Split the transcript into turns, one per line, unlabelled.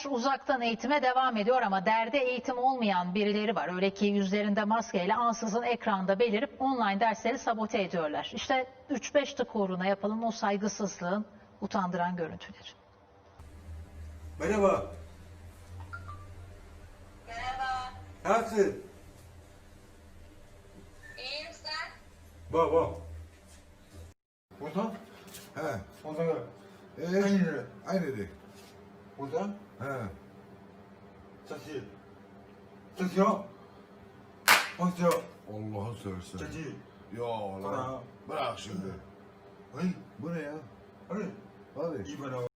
uzaktan eğitime devam ediyor ama derdi eğitim olmayan birileri var. Öyle ki yüzlerinde maskeyle ansızın ekranda belirip online dersleri sabote ediyorlar. İşte 3-5 tık uğruna yapılan o saygısızlığın utandıran görüntüleri.
Merhaba.
Merhaba.
Nasılsın?
İyiyim sen?
Bak. Burada?
He.
Orada gel.
Aynı. Aynı de.
Burada?
He.
Çaki. Çaki yok. Çaki yok.
Allah'ı seversen.
Çaki.
Ya lan.
Bırak.
Bırak şimdi.
Hey.
Bu ne ya?
Hadi.
Hadi.
İyi bana.